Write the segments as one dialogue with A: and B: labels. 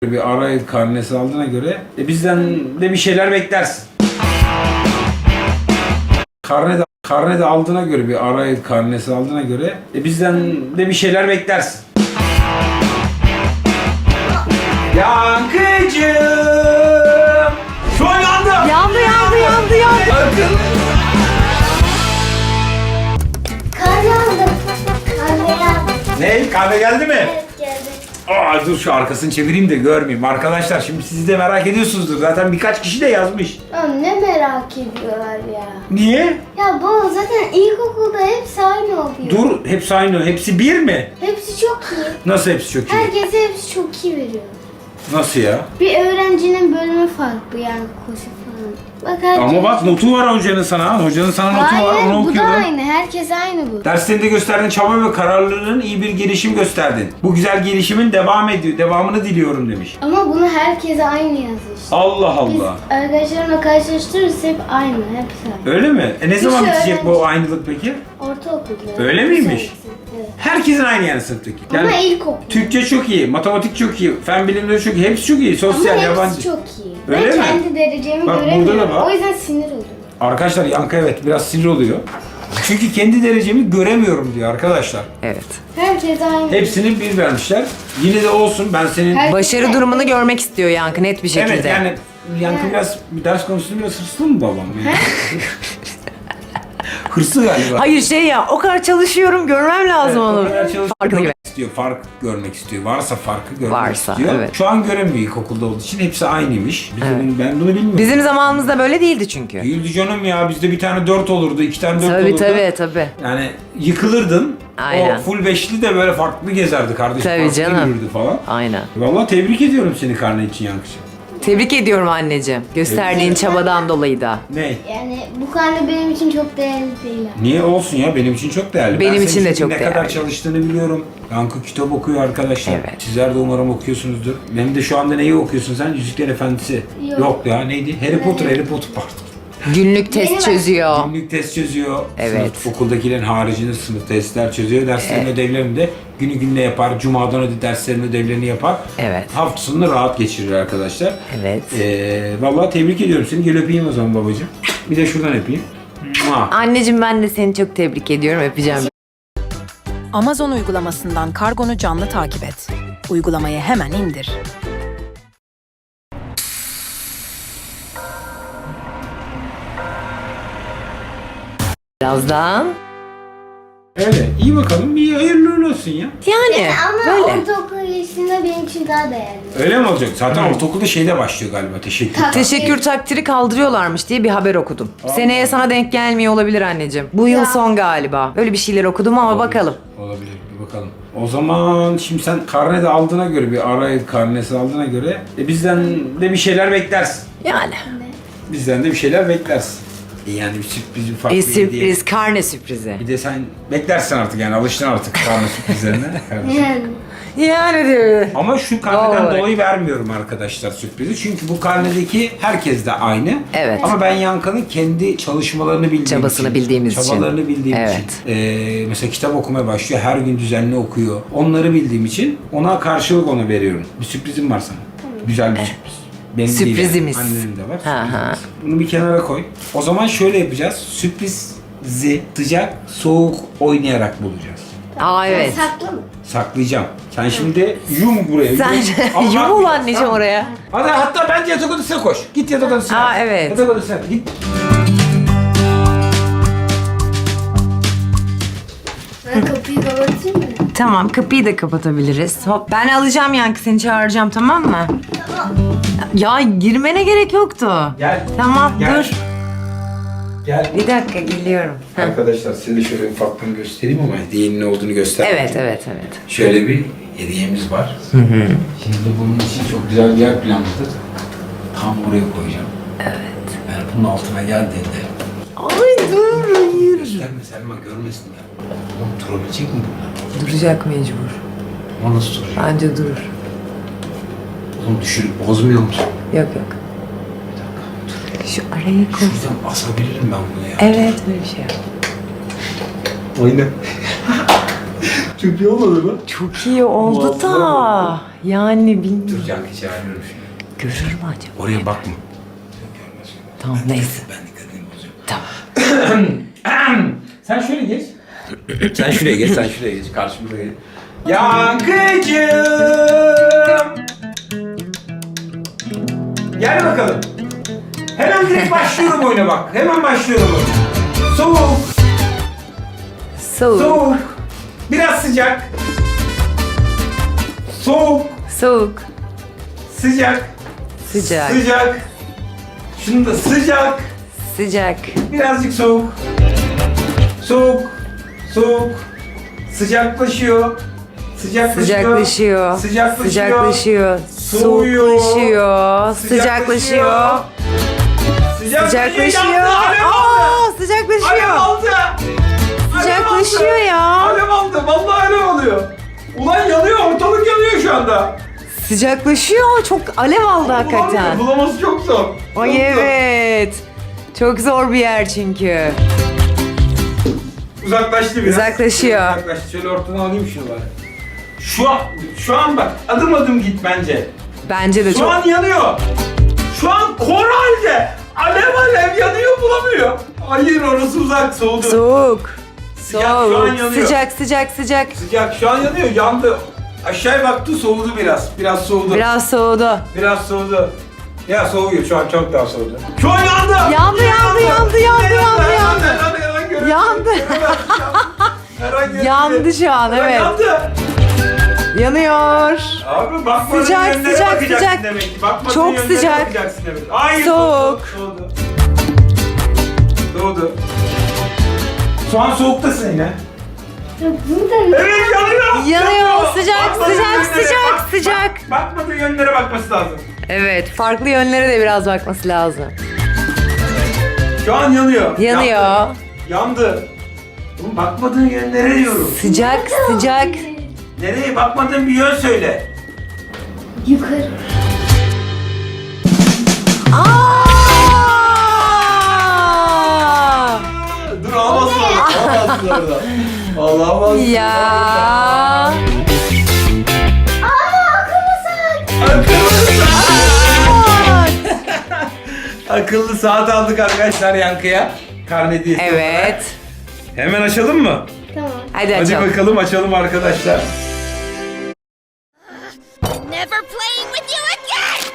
A: Bir ara karnesi aldığına göre bizden de bir şeyler beklersin. Karne de aldığına göre bir ara karnesi aldığına göre bizden de bir şeyler beklersin. Yankıcığım! Şu an yandı!
B: Yandı.
C: Kahve aldım. Kahve aldım.
A: Ne? Kahve geldi mi?
C: Evet geldi.
A: Dur şu arkasını çevireyim de görmeyeyim. Arkadaşlar şimdi siz de merak ediyorsunuzdur. Zaten birkaç kişi de yazmış.
C: Ya ne merak ediyorlar ya.
A: Niye?
C: Ya baba zaten ilkokulda hepsi aynı oluyor.
A: Dur, hepsi aynı. Hepsi bir mi?
C: Hepsi çok iyi.
A: Nasıl hepsi çok iyi?
C: Herkese hepsi çok iyi veriyor.
A: Nasıl ya?
C: Bir öğrencinin bölümü farklı yani koşu falan. Bak herkes...
A: Ama bak notu var hocanın sana. Hocanın sana notu var.
C: Hayır
A: Onu
C: bu da
A: okuyorum.
C: aynı. Herkes aynı bu.
A: Derslerinde gösterdiğin çaba ve kararlılığın iyi bir gelişim gösterdin. Bu güzel gelişimin devamını diliyorum demiş.
C: Ama bunu herkese aynı yazıyor işte.
A: Allah
C: Biz
A: Allah.
C: arkadaşlarımla karşılaştırırız hep aynı. Hepsi aynı.
A: Öyle mi? Ne zaman
C: şey
A: bitecek bu
C: öğrenci.
A: aynılık peki?
C: Ortaokulda.
A: Öyle miymiş?
C: Evet.
A: Herkesin aynı yani sınıftaki.
C: Ama
A: Yani
C: ilkokul.
A: Türkçe çok iyi, matematik çok iyi, fen bilimleri çok iyi, hepsi çok iyi.
C: Ama
A: Sosyal,
C: hepsi
A: yabancı.
C: çok iyi.
A: Öyle
C: ben
A: mi?
C: kendi derecemi
A: Bak, burada
C: göremiyorum.
A: da var.
C: O yüzden sinir oluyorum.
A: Arkadaşlar Yankı evet biraz sinir oluyor. Çünkü kendi derecemi göremiyorum diyor arkadaşlar.
B: Evet.
C: Herkes aynı.
A: Hepsini bir vermişler. Yine de olsun ben senin...
C: Her-
B: Başarı durumunu görmek istiyor Yankı net bir şekilde.
A: Evet yani Yankı biraz bir ders konusunda biraz hırslı mı babam? Yani? Hırslı galiba.
B: Hayır o kadar çalışıyorum görmem lazım
A: Evet, o
B: onu.
A: kadar çalışıyor,
B: Farkında gibi.
A: istiyor, fark görmek istiyor. Varsa farkı görmek
B: Varsa,
A: istiyor.
B: evet.
A: Şu an göremiyor ilkokulda olduğu için. Hepsi aynıymış.
B: Evet.
A: Ben bunu bilmiyorum.
B: Bizim zamanımızda böyle değildi çünkü.
A: Değildi canım ya. Bizde bir tane 4 olurdu, 2 tane 4 olurdu.
B: Tabii.
A: Yani yıkılırdın.
B: Aynen.
A: O full beşli de böyle farklı gezerdi kardeşim.
B: Tabii
A: Farklı
B: canım.
A: yürürdü falan.
B: Aynen.
A: Vallahi tebrik ediyorum seni karne için Yankıcığım.
B: Tebrik ediyorum anneciğim. Gösterdiğin çabadan dolayı da.
A: Ne?
C: Yani bu karne benim için çok değerli değil.
A: Niye olsun ya? Benim için çok değerli.
B: Benim
A: Ben
B: için
A: senin
B: de çok
A: ne kadar
B: değerli.
A: çalıştığını biliyorum. Yankı kitap okuyor arkadaşlar.
B: Evet.
A: Sizler de umarım okuyorsunuzdur. Benim de şu anda neyi okuyorsun sen? Yüzükler Efendisi.
C: Yok.
A: Ya neydi? Harry Potter pardon.
B: Günlük test
C: Benim-
B: çözüyor.
A: Günlük test çözüyor.
B: Evet.
A: Sınıf, okuldakilerin haricinde sınıf testler çözüyor. Derslerin ödevlerini de günü gününe yapar. Cumadan derslerin ödevlerini yapar.
B: Evet.
A: Hafta sonunu rahat geçirir arkadaşlar.
B: Evet.
A: Vallahi tebrik ediyorum seni. Gel öpeyim o zaman babacığım. Bir de şuradan öpeyim. Mua.
B: Anneciğim ben de seni çok tebrik ediyorum. Öpeceğim.
D: Amazon uygulamasından kargonu canlı takip et. Uygulamayı hemen indir.
B: Birazdan.
A: Öyle. İyi bakalım. Bir hayırlı uğurlu olsun ya.
B: Yani
C: Ama
B: böyle.
C: ortaokul ilişkisinde benim için daha değerli.
A: Öyle mi olacak? Zaten ortaokulda şeyde başlıyor galiba. Teşekkür.
B: Teşekkür takdiri kaldırıyorlarmış diye bir haber okudum. Seneye sana denk gelmiyor olabilir anneciğim. Bu yıl son galiba. Öyle bir şeyler okudum ama bakalım.
A: Olabilir. Bir bakalım. O zaman şimdi sen karne de aldığına göre bir ara karnesi aldığına göre bizden de bir şeyler beklersin.
B: Yani.
A: Bizden de bir şeyler beklersin. Yani bir sürpriz, ufak bir hediye.
B: Sürpriz, karne sürprizi.
A: Bir de sen beklersin artık yani alıştın artık karne sürprizlerine.
C: Yani.
B: Yani diyor.
A: Ama şu karneden
B: Doğru.
A: dolayı vermiyorum arkadaşlar sürprizi. Çünkü bu karnedeki herkes de aynı.
B: Evet.
A: Ama ben Yankı'nın kendi çalışmalarını bildiğim
B: Çabasını
A: için,
B: bildiğimiz için.
A: çabalarını bildiğim
B: Evet.
A: için. Mesela kitap okumaya başlıyor. Her gün düzenli okuyor. Onları bildiğim için ona karşılık onu veriyorum. Bir sürprizim var sana. Güzel bir sürpriz. Benim değil
B: Sürprizimiz.
A: yani. Annenin de var.
B: Ha,
A: sürprizimiz.
B: ha.
A: Bunu bir kenara koy. O zaman şöyle yapacağız. Sürprizi sıcak, soğuk oynayarak bulacağız.
B: Aa evet.
C: Saklı mı?
A: Saklayacağım. Sen şimdi yum buraya.
B: Sen
A: Ama
B: yumul
A: bakmayacağız,
B: anneciğim
A: tamam mı?
B: oraya.
A: Hadi hatta bence yatak odasına koş. Git yatak odasına.
B: Aa, evet.
A: Yatak odasına git.
C: Ben kapıyı kapatayım mı?
B: Tamam kapıyı da kapatabiliriz. Hop ben alacağım Yankı seni çağıracağım tamam mı? Ya girmene gerek yoktu.
A: Gel.
B: Tamam
A: Gel.
B: dur.
A: Gel.
B: Bir dakika geliyorum. Heh.
A: Arkadaşlar size de şöyle ufaktan göstereyim ama hediyenin ne olduğunu göstereyim.
B: Evet.
A: Şöyle bir hediyemiz var. Şimdi bunun için çok güzel bir yer planladık. Tam buraya koyacağım. Evet. Yani bunun altına geldiğinde
B: Ay dur hayır.
A: gösterme Selma görmesin ya. Oğlum durabilecek mi bunlar?
B: Duracak mecbur.
A: O nasıl duracak?
B: Bence durur.
A: Oğlum düşürüp bozmuyor musun?
B: Yok.
A: Bir dakika.
B: Şu arayı koy.
A: Şuradan asabilirim ben bunu ya.
B: Evet böyle bir şey yap.
A: Aynen. Çok iyi olmadı mı?
B: Çok iyi oldu da.
A: Muazzam.
B: Yani bilmiyorum.
A: Dur Yankı çağırıyorum şimdi.
B: Görür mü acaba?
A: Oraya bakma.
B: Tamam neyse.
A: Ben dikkatimi bozacağım.
B: Tamam.
A: Sen şöyle geç. Sen şuraya geç, sen şuraya geç. Karşımıza geç. Yankıcığım! Gel bakalım. Hemen direkt başlıyorum oyuna bak. Hemen başlıyorum oyuna. Soğuk,
B: Soğuk.
A: soğuk. Biraz sıcak. Soğuk,
B: Soğuk.
A: sıcak.
B: Sıcak.
A: Sıcak. Şunu da sıcak.
B: Sıcak.
A: Birazcık soğuk. Soğuk. Soğuk. Sıcaklaşıyor. Sıcaklaşıyor.
B: Sıcaklaşıyor.
A: Sıcaklaşıyor.
B: Sıcaklaşıyor.
A: Soğuyor.
B: Soğuklaşıyor. Sıcaklaşıyor. Sıcaklaşıyor.
A: Alev aldı.
B: Aa, sıcaklaşıyor.
A: Alev aldı.
B: Sıcaklaşıyor ya.
A: Alev aldı. Vallahi alev alıyor. Ulan yanıyor. Ortalık yanıyor şu anda.
B: Sıcaklaşıyor. Çok alev aldı hakikaten.
A: Bulaması çok zor. Çok
B: Ay
A: zor.
B: evet. Çok zor bir yer çünkü.
A: Uzaklaştı biraz.
B: Uzaklaşıyor.
A: Uzaklaştı. Şöyle ortadan alayım şunu bari. Şu an bak adım adım git bence.
B: Bence de
A: Şu
B: çok.
A: an yanıyor. Şu an kor halde. Alev alev yanıyor bulamıyor. Hayır orası uzak soğudu.
B: Soğuk.
A: Sıcak, şu an
B: Soğuk.
A: yanıyor.
B: Sıcak sıcak sıcak.
A: Sıcak şu an yanıyor yandı. Aşağıya baktı soğudu biraz. Biraz soğudu.
B: Biraz soğudu.
A: Biraz soğudu. Ya soğuyor şu an çok daha soğudu. Şu an yandı.
B: Yandı, yandı, yandı, yandı, yandı. Yandı. Yandı şu an, evet.
A: Yandı.
B: Yanıyor.
A: Abi bakmadığın
B: Sıcak,
A: yönlere
B: sıcak,
A: bakacaksın
B: sıcak.
A: demek ki. Bakmadığın
B: Çok
A: yönlere
B: sıcak.
A: bakacaksın demek. Hayır.
B: Soğuk.
A: Soğudu. Soğudu. Şu an soğuktasın yine.
C: Ya burada
A: Evet yanıyor.
B: Yanıyor. Sıcak,
A: Bakmadığın
B: sıcak,
A: yönlere
B: sıcak,
A: bak.
B: sıcak.
A: Bakmadığın yönlere bakması lazım.
B: Evet, farklı yönlere de biraz bakması lazım.
A: Şu an yanıyor.
B: Yanıyor.
A: Yandı. Yandı. Oğlum bakmadığın yönlere diyorum.
B: Sıcak, sıcak.
A: Nereye bakmadığın bir yön söyle.
C: yukarı.
B: Aa!
A: Dur almasın orada. Almasın orada. Allah almasın.
B: Ya.
A: Akıllı saat aldık arkadaşlar Yankı'ya. Karne hediyesi olarak.
B: Evet.
A: Hemen açalım mı?
C: Tamam.
B: Hadi
A: Hadi
B: açalım.
A: bakalım açalım arkadaşlar.
E: Never playing with you again!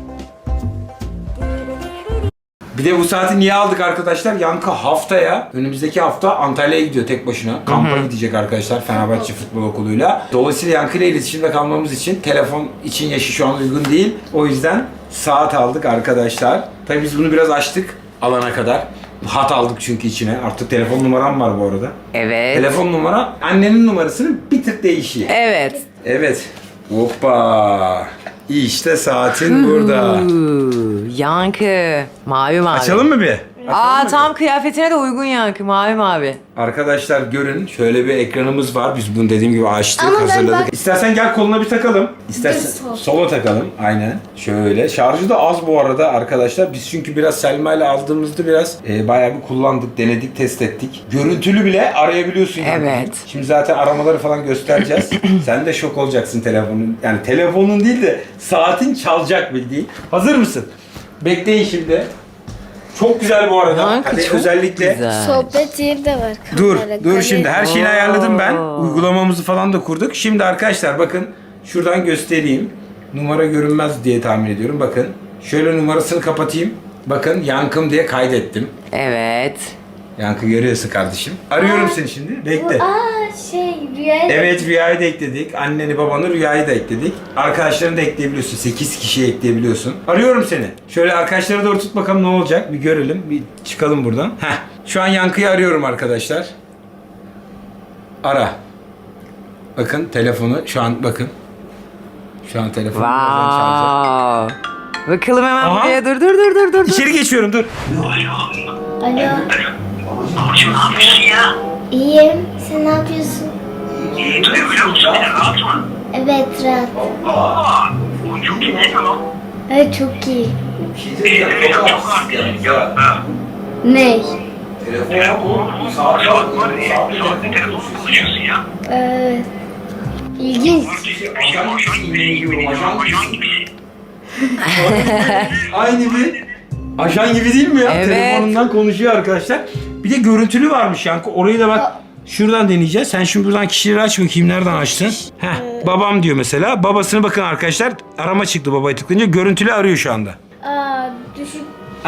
A: Bir de bu saati niye aldık arkadaşlar? Yankı haftaya, önümüzdeki hafta Antalya'ya gidiyor tek başına. Kampa gidecek arkadaşlar Fenerbahçe Futbol Okulu'yla. Dolayısıyla Yankı ile iletişimde kalmamız için telefon için yaşı şu an uygun değil. O yüzden saat aldık arkadaşlar. Tabii biz bunu biraz açtık alana kadar. Hat aldık çünkü içine. Artık telefon numaram var bu arada.
B: Evet.
A: Telefon numara annenin numarasının bir tık değişiyor.
B: Evet.
A: Evet. Hoppa. İşte saatin burada.
B: Yankı. Mavi mavi.
A: Açalım mı bir?
B: Aa, tam kıyafetine de uygun yankı. Mavi mavi.
A: Arkadaşlar görün şöyle bir ekranımız var. Biz bunu dediğim gibi açtık,
C: Ama ben
A: hazırladık.
C: bak-
A: İstersen gel koluna bir takalım. İstersen
C: Sol.
A: sola takalım. Aynen. Şöyle. Şarjı da az bu arada arkadaşlar. Biz çünkü biraz Selma ile aldığımızda biraz bayağı bir kullandık, denedik, test ettik. Görüntülü bile arayabiliyorsun. yani.
B: Evet.
A: Şimdi zaten aramaları falan göstereceğiz. Sen de şok olacaksın telefonun. Yani telefonun değil de saatin çalacak bildiğin. Hazır mısın? Bekleyin şimdi. Çok güzel bu arada.
B: Yankı
A: Hadi
B: çok
A: özellikle
B: güzel.
C: Sohbet yeri de var.
A: Dur,
C: Kamera,
A: dur
C: kare.
A: şimdi her şeyini ayarladım ben.
B: Oo.
A: Uygulamamızı falan da kurduk. Şimdi arkadaşlar bakın şuradan göstereyim. Numara görünmez diye tahmin ediyorum. Bakın şöyle numarasını kapatayım. Bakın Yankım diye kaydettim.
B: Evet.
A: Yankı görüyorsun kardeşim. Arıyorum seni şimdi. Bekle.
C: Rüyayı
A: Evet Rüya'yı da ekledik. Anneni babanı Rüya'yı da ekledik. Arkadaşlarını da ekleyebiliyorsun. 8 kişiye ekleyebiliyorsun. Arıyorum seni. Şöyle arkadaşları doğru tut bakalım ne olacak. Bir görelim. Bir çıkalım buradan. Heh. Şu an Yankı'yı arıyorum arkadaşlar. Ara. Bakın telefonu şu an bakın. Şu an telefonu birazdan çalacak.
B: Wow. Bakalım hemen
A: Aha.
B: buraya. Dur.
A: İçeri geçiyorum dur.
C: Alo.
F: Burcu ne yapıyorsun ya?
C: İyiyim. Sen ne yapıyorsun?
F: İyi duyabiliyor musun beni? Rahat mı?
C: Evet rahat.
F: Aa, bu çok iyi değil mi lan?
C: Evet çok iyi.
F: Benim çok arkadaşım ya. Ha.
C: Ne?
A: Telefon.
F: Saat var ya. Saatte telefonla konuşuyorsun ya.
C: İlginç.
F: Ajan gibisin.
A: Aynı bir ajan gibi değil mi ya?
B: Evet.
A: Telefonundan konuşuyor arkadaşlar. Bir de görüntülü varmış Yankı. Orayı da bak şuradan deneyeceğiz. Sen şimdi buradan kişileri aç bakayım. Nereden açtın? Babam diyor mesela. Babasını bakın arkadaşlar. Arama çıktı babaya tıklayınca. Görüntülü arıyor şu anda.
C: Düşük.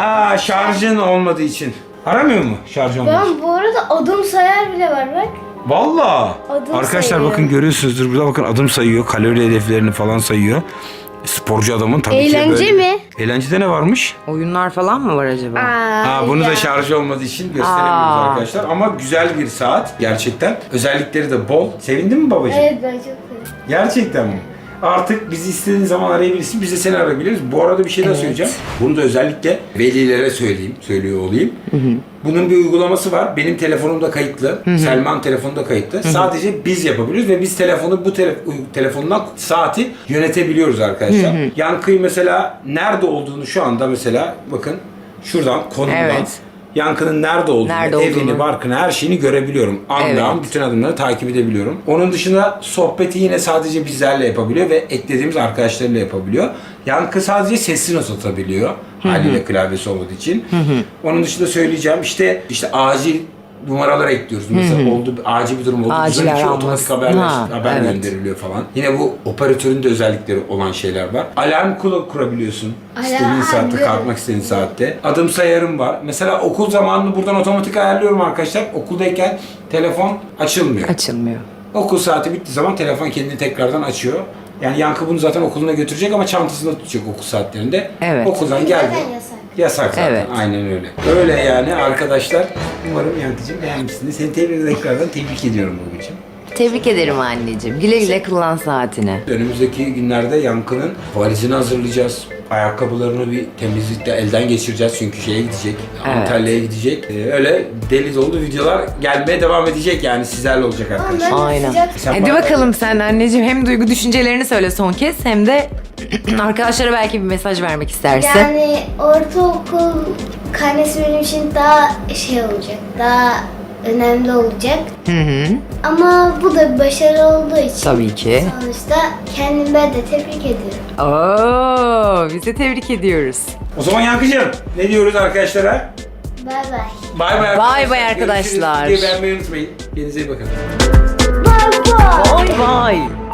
A: Şarjın olmadığı için. Aramıyor mu şarj olmadığı için?
C: Ben bu arada adım sayar bile var bak.
A: Valla.
C: Adım
A: Arkadaşlar
C: sayıyor.
A: bakın görüyorsunuzdur. Burada bakın adım sayıyor. Kalori hedeflerini falan sayıyor. Sporcu adamın tabii ki
C: Eğlence
A: böyle.
C: mi?
A: Eğlencede ne varmış?
B: Oyunlar falan mı var acaba?
A: Bunu
C: ya.
A: da şarj olmadığı için gösteremiyoruz arkadaşlar. Ama güzel bir saat gerçekten. Özellikleri de bol. Sevindin mi babacığım?
C: Evet ben çok seviyorum.
A: Gerçekten mi? Artık bizi istediğin zaman arayabilirsin. Biz de seni arayabiliriz. Bu arada bir şey daha söyleyeceğim. Bunu da özellikle velilere söylüyor olayım. Bunun bir uygulaması var. Benim telefonumda kayıtlı. Selman telefonunda kayıtlı. Sadece biz yapabiliyoruz ve biz telefonu telefondan saati yönetebiliyoruz arkadaşlar. Yankı'yı mesela nerede olduğunu şu anda mesela bakın şuradan konumdan
B: Evet.
A: Yankı'nın nerede olduğunu, evini, barkını, her şeyini görebiliyorum. An bütün adımları takip edebiliyorum. Onun dışında sohbeti yine sadece bizlerle yapabiliyor ve eklediğimiz arkadaşlarıyla yapabiliyor. Yankı sadece sesli not atabiliyor. Haliyle klavyesi olmadığı için. Onun dışında söyleyeceğim işte acil numaralar ekliyoruz. Mesela acil bir durum oldu.
B: Acil
A: Bizden
B: aranması.
A: otomatik haber gönderiliyor falan. Yine bu operatörün de özellikleri olan şeyler var. Alarm kurabiliyorsun. İstediğin saatte, kalkmak istediğin saatte. Adım sayarım var. Mesela okul zamanını buradan otomatik ayarlıyorum arkadaşlar. Okuldayken telefon açılmıyor.
B: Açılmıyor.
A: Okul saati bittiği zaman telefon kendini tekrardan açıyor. Yani Yankı bunu zaten okuluna götürecek ama çantasında tutacak okul saatlerinde.
B: Evet.
A: Okuldan geldi.
C: Zaten yasak.
A: Yasak zaten.
B: Evet.
A: Aynen öyle. Öyle yani arkadaşlar. Umarım Yankı'cığım beğenmişsiniz. Seni tekrardan tebrik ediyorum babacığım.
B: Tebrik ederim anneciğim. Güle güle kullan saatini.
A: Önümüzdeki günlerde Yankı'nın valizini hazırlayacağız. Ayakkabılarını bir temizlikle elden geçireceğiz çünkü şeye gidecek.
B: Evet.
A: Antalya'ya gidecek. Öyle deli dolu videolar gelmeye devam edecek yani sizlerle olacak arkadaşlar.
B: Aynen.
A: Sen
B: Hadi
A: bana-
B: bakalım sen anneciğim hem duygu düşüncelerini söyle son kez hem de arkadaşlara belki bir mesaj vermek istersin.
C: Yani ortaokul karnesi benim için daha şey olacak. Daha önemli olacak. Ama bu da bir başarı olduğu için.
B: Tabii ki.
C: Sonuçta kendimi ben de tebrik ediyorum.
B: Oo, biz de tebrik ediyoruz.
A: O zaman Yankı'cığım ne diyoruz arkadaşlara?
C: Bay bay.
A: Bay bay
B: Bay bay arkadaşlar.
A: Görüşürüz. Videoyu beğenmeyi unutmayın. Kendinize iyi bakın.
C: Bay bay.
B: Bye bye.